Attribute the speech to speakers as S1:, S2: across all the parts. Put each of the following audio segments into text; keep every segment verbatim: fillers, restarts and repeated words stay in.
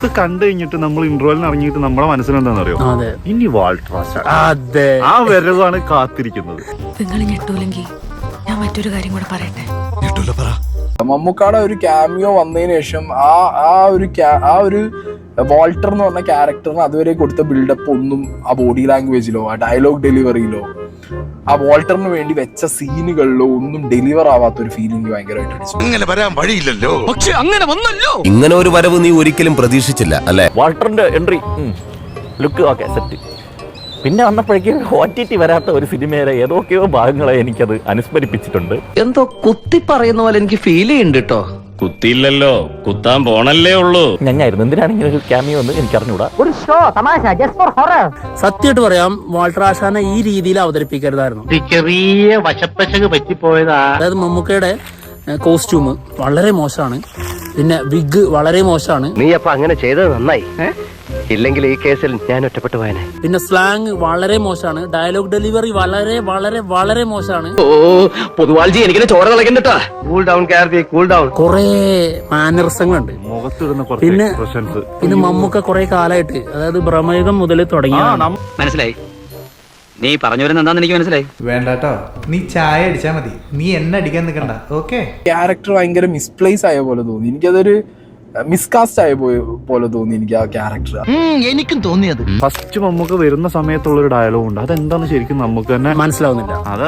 S1: ഇത് കണ്ടു കഴിഞ്ഞിട്ട് നമ്മൾ ഇന്റർവെല്ലിന് ഇറങ്ങിയിട്ട് നമ്മുടെ മനസ്സിലെന്താണെന്ന് അറിയോ? ഇനി വാൾട്ടർ ആ വരവാണ് കാത്തിരിക്കുന്നത്.
S2: നിങ്ങൾ ഞെട്ടൂലെങ്കിൽ ഞാൻ മറ്റൊരു കാര്യം കൂടെ പറയട്ടെ.
S3: മമ്മൂക്കാടെ ഒരു ക്യാമിയോ വന്നതിന് ശേഷം ആ ആ ഒരു ആ ഒരു വാൾട്ടർ എന്ന് പറഞ്ഞ ക്യാരക്ടറിന് അതുവരെ കൊടുത്ത ബിൽഡപ്പ് ഒന്നും ആ ബോഡി ലാംഗ്വേജിലോ ആ ഡയലോഗ് ഡെലിവറിയിലോ ആ വാൾട്ടറിന് വേണ്ടി വെച്ച സീനുകളിലോ ഒന്നും ഡെലിവർ ആവാത്ത ഒരു ഫീലിംഗ് ഭയങ്കരമായിട്ട്
S4: അങ്ങനെ വരാൻ വഴിയില്ലല്ലോ.
S5: പക്ഷെ അങ്ങനെ വന്നല്ലോ.
S6: ഇങ്ങനെ ഒരു വരവ് നീ ഒരിക്കലും പ്രതീക്ഷിച്ചില്ല അല്ലെ?
S7: വാൾട്ടറിന്റെ എൻട്രി ലുക്ക് ഓക്കെ സെറ്റ്. പിന്നെ വന്നപ്പോഴേക്കും ഒ ടി ടി വരാത്ത ഒരു സിനിമയിലെ ഏതൊക്കെയോ ഭാഗങ്ങളെ എനിക്കത് അനുസ്മരിപ്പിച്ചിട്ടുണ്ട്.
S5: എന്തോ കുത്തി പറയുന്ന പോലെ എനിക്ക് ഫീൽ ചെയ്യുന്നുണ്ട് കേട്ടോ.
S8: കുത്തിയില്ലല്ലോ, കുത്താൻ പോണല്ലേ ഉള്ളൂ.
S7: ഞങ്ങായിരുന്നു എന്തിനാണ് ഇങ്ങനെ ഒരു ക്യാമിയോ എന്ന് എനിക്ക് അറിഞ്ഞൂടാ.
S9: സത്യമായിട്ട് പറയാം, വാൾട്ടർ ആശാനെ ഈ രീതിയിൽ അവതരിപ്പിക്കരുതായിരുന്നു.
S8: ചെറിയ വശപ്പശക് പറ്റിപ്പോയതാ.
S9: അതായത് മമ്മൂക്കയുടെ കോസ്റ്റ്യൂം വളരെ മോശമാണ്, പിന്നെ വിഗ് വളരെ മോശമാണ്.
S5: നീ അപ്പൊ അങ്ങനെ ചെയ്തത് നന്നായി, ഇല്ലെങ്കിൽ ഈ കേസിൽ ഞാൻ ഒറ്റപ്പെട്ടു പോയനെ.
S9: പിന്നെ സ്ലാങ് വളരെ മോശമാണ്, ഡയലോഗ് ഡെലിവറി വളരെ വളരെ വളരെ മോശമാണ്.
S5: ഓ പൊതുവാൾജി എനിക്കിനെ ചോര കളക്കണ്ടട്ടാ. Cool down Karthi, cool down.
S9: കുറെ മാനറിസങ്ങളുണ്ട്
S1: മുഖത്തിടുന്ന
S9: പിന്നെ പിന്നെ മമ്മൂക്ക കുറെ കാലമായിട്ട്, അതായത് ബ്രഹ്മയുഗം മുതൽ തുടങ്ങി.
S5: മനസ്സിലായി, നീ പറഞ്ഞു വരുന്ന എന്താന്ന് എനിക്ക് മനസ്സിലായി.
S10: വേണ്ടട്ടോ, നീ ചായ അടിച്ചാ മതി, നീ എന്നെ അടിക്കാൻ നിൽക്കണ്ട. ഓക്കെ,
S3: ക്യാരക്ടർ ഭയങ്കര മിസ്പ്ലേസ് ആയ പോലെ തോന്നി എനിക്കതൊരു മിസ്കാസ്റ്റ് ആയ പോലെ തോന്നി എനിക്ക് ആ ക്യാരക്ടർ.
S5: എനിക്കും തോന്നിയത്
S1: ഫസ്റ്റ് മമ്മൂക്ക വരുന്ന സമയത്തുള്ള ഒരു ഡയലോഗ് ഉണ്ട്, അതെന്താന്ന് ശരിക്കും നമുക്ക് തന്നെ
S9: മനസ്സിലാവുന്നില്ല.
S1: അത്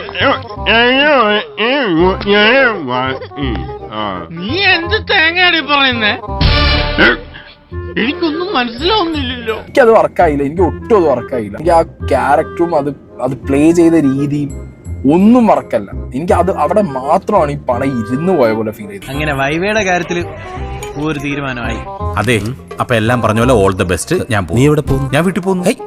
S8: നീ എന്ത് തേങ്ങയാടി പറയുന്നേ? എനിക്കൊന്നും മനസ്സിലാവുന്നില്ലല്ലോ.
S3: എനിക്കത് വർക്കായില്ല, എനിക്ക് ഒട്ടും അത് വർക്കായില്ല. എനിക്ക് ആ ക്യാരക്ടറും അത് അത് പ്ലേ ചെയ്ത രീതിയും ഒന്നും വർക്കല്ല. എനിക്ക് അത് അവിടെ മാത്രമാണ് ഈ പണം ഇരുന്ന് പോയ പോലെ ഫീൽ ചെയ്തത്.
S10: അങ്ങനെ വൈവയുടെ കാര്യത്തിൽ ഒരു തീരുമാനമായി.
S6: അതെ, അപ്പൊ എല്ലാം പറഞ്ഞ പോലെ ഓൾ ദ ബെസ്റ്റ്. ഞാൻ നീ എവിടെ പോകുന്നു? ഞാൻ വീട്ടിൽ പോകുന്നു.